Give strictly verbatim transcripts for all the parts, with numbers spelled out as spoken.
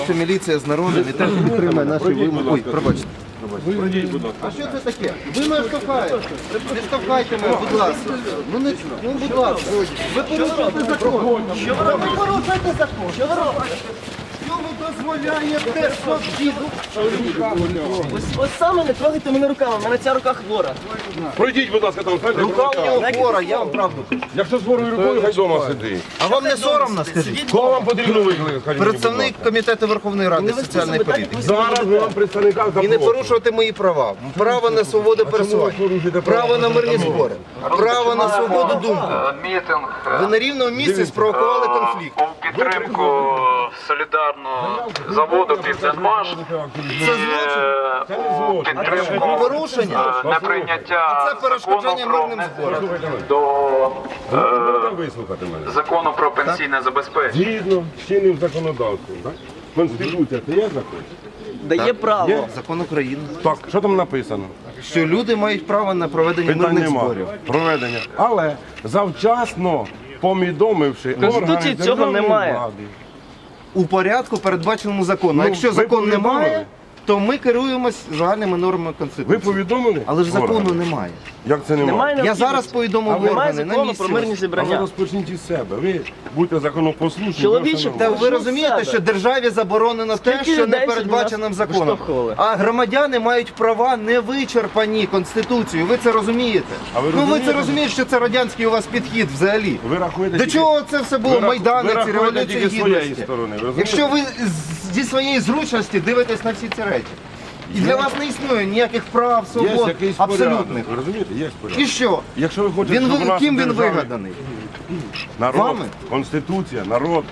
Міліція з народом і теж підтримує наші вимоги. Ой, пробачте. А що це таке? Ви мене штовхаєте. Не штовхайте мене, будь ласка. Ну, не, ну будь ласка. Ви порушуєте закон. Що ви робите? Ви порушуєте закон. Що ви робите? Що ви дозволяєте собі? Ось, ось саме не трогайте мене руками, в мене ця рука хвора. Пройдіть, будь ласка, там, хай Рука у нього хвора, я вам правду кажу. Якщо з хворою рукою, хай вдома сидить. А вам не соромно, скажіть? Кого вам потрібно викликати? Представник Комітету Верховної Ради соціальної політики. Зараз ми вам представника І не запрошуємо. порушувати мої права. Право на свободу пересування, право на мирні збори, право на свободу думки. Мітинг Ви на рівному місці спровокували конфлікт. у підтримку солідарного заводу «Південмаш» Це злочин. у підтримку Порушення. неприйняття Це перешкоджання закону про мирним зборам. до Можете вислухати мене? закону про пенсійне забезпечення. Згідно з чинним законодавством, так? Конституція, це є закон? Дає право. Закон України. Так, що там написано? Що люди мають право на проведення Питань мирних нема. зборів. Проведення. Але завчасно повідомивши Конституції органи цього державної немає. влади. У порядку, передбаченому законом. Ну, А якщо ви закон повідомили? немає, то ми керуємось загальними нормами Ви Конституції. повідомили? Але ж закону органи? немає. Як це немає? Немає Я необхідності. зараз повідомив Немає органи на закону місці. про мирні А ви зібрання. розпочніть із себе. Ви будьте законопослушні. Чоловіче, ваше Та нормально. ви розумієте, що державі заборонено те, Скільки що не людей передбачено сьогодні нас законом. виштовхували? А громадяни мають права не вичерпані Конституцією. Ви це розумієте? А ви ну ви розумієте? це розумієте, що це радянський у вас підхід взагалі. Ви рахуєте До тільки- чого це все було? ви рах- Майдани, ви ці рахуєте революції тільки своєї гідності. сторони, ви розумієте? Якщо ви з- зі своєї зручності дивитесь на всі ці речі. І для вас не існує ніяких прав, Є свобод, якийсь абсолютних. порядок. Ви розумієте? Є порядок. І що? Якщо ви хочете, Він щоб ви- у нас ким він державі вигаданий? Народ, Вами? Конституція, народ.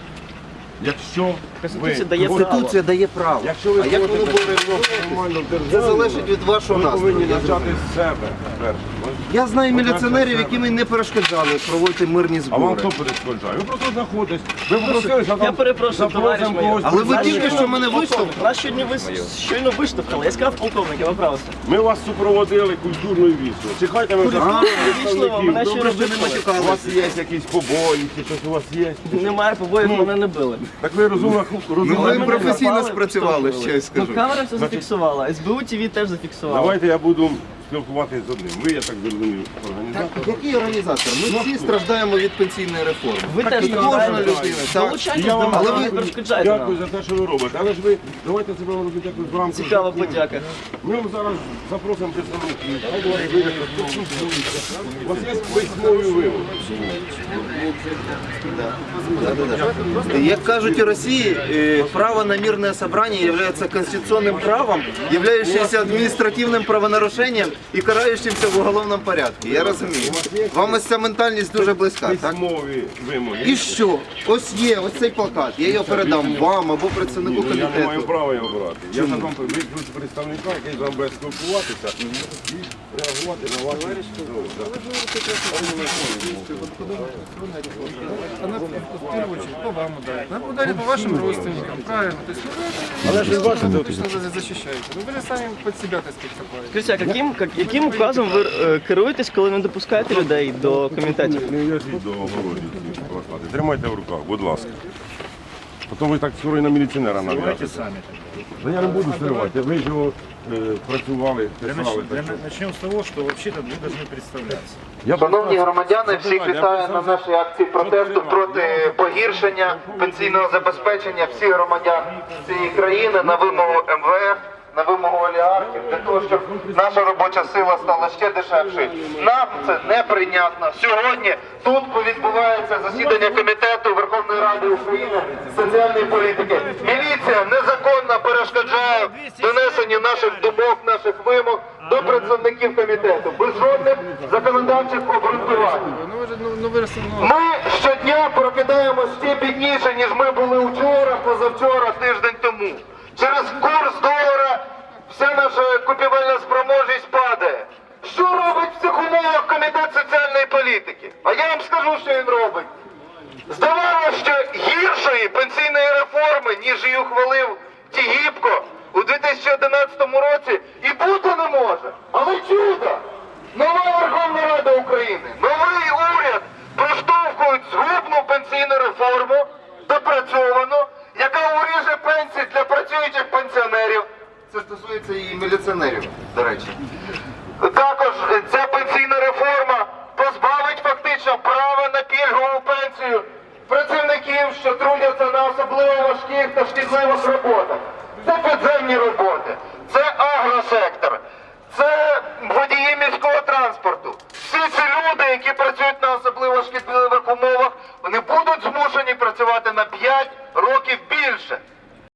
Якщо Конституція ви дає право. Конституція дає право. Якщо ви А як воно хочете буде нормально в Це державі, залежить від вашого ви настрою. повинні я почати зрозумів. з себе перше. Я знаю міліціонерів, себе. які мені не перешкоджали проводити мирні А вам збори. хто перешкоджає? Ви просто знаходитесь. Ви попросили, що Я там перепрошую, запросимо товариш майор. когось. Але ви прийти. тільки що мене виштовхнули. Нас щойно вис- щойно виштовхали. Я сказав полковник, я виправився. Ми вас супроводили культурною вісною. Чекайте, ми Вічливо, представників. мене ще Добре, не що не матюкали. У вас є якісь побої, чи щось у вас є? Немає побоїв, мене не били. Так ви розумно, Ну, розумно. ви мене професійно напали, спрацювали, штовхнули. ще й скажу. Ну, камера все зафіксувала, ес бе у ті ві теж зафіксувала. Давайте я буду спілкуватися з одним. Ви, я так зрозумів, організатор. Який організатор? Ми всі страждаємо від пенсійної реформи. Ви теж і кожна страждаєте. людина. Так. Долучайтесь Я до вам нас, але але ви- ви перешкоджаєте Дякую нам. за те, що ви робите. Але ж ви давайте себе робити якось в рамках. Цікава закону. подяка. Ми вам зараз запросимо представників. Хай вони вийдуть, поспілкуються. У вас є письмові вимоги. Як кажуть у Росії, е, право на мирное собрание является конституционным правом, являющимся административным правонарушением и карающимся в уголовном порядку. Я розумію. Вам ось ця ментальність дуже близька, так? Письмові вимоги. І що? Ось є, ось цей плакат. Я його передам вам або представнику Ну, я не маю комітету. права його брати. Я ж вам викличу представника, який з вами буде спілкуватися і реагувати на ваші Она в первую очередь по вам ударит. Она ударит по вашим родственникам, правильно. То есть, ну, это, Але ж ви бачите, точно защищаете. Ну, вы же сами под себя, так сказать, копаете. Скажіть, а яким, як- яким указом ви е, керуєтесь, коли не допускаєте людей до комітетів? Не в'яжіть до огорожі ці плакати. Тримайте в руках, будь ласка. Потім ви так скоро і на міліціонера нав'яжете. Та я не буду стривати. Ви ж його е, працювали, писали. так що- Начнем с того, что вообще-то вы должны представляться. Я Шановні писав- громадяни, всіх Слухайте, я вітаю писав на за- нашій акції протесту проти погіршення пенсійного забезпечення всіх громадян цієї країни на вимогу ем ве еф, на вимогу олігархів, для того, щоб наша робоча сила стала ще дешевшою. Нам це неприйнятно. Сьогодні тут відбувається засідання Комітету Верховної Ради України з соціальної політики. Міліція незаконно перешкоджає донесенню наших думок, наших вимог до представників комітету, без жодних законодавчих обґрунтувань. Ну, вы же, ну, ну, вы же, ну, Ми щодня прокидаємося ще бідніше, ніж ми були вчора, позавчора, тиждень тому. Через курс долара вся наша купівельна спроможність падає. Що робить в цих умовах Комітет соціальної політики? А я вам скажу, що він робить. Здавалося, що гіршої пенсійної реформи, ніж її ухвалив Тігіпко у дві тисячі одинадцятому році, і бути не може. Але чудо! Нова Верховна Рада України, новий уряд проштовхують згубну пенсійну реформу, допрацьовану, яка уріже пенсії для працюючих пенсіонерів. Це стосується і міліціонерів, до речі. Також ця пенсійна реформа позбавить фактично права на пільгову пенсію працівників, що трудяться на особливо важких та шкідливих роботах. Це підземні роботи, це агросектор, це водії міського транспорту. Всі ці люди, які працюють на особливо шкідливих умовах, вони будуть змушені працювати на п'ять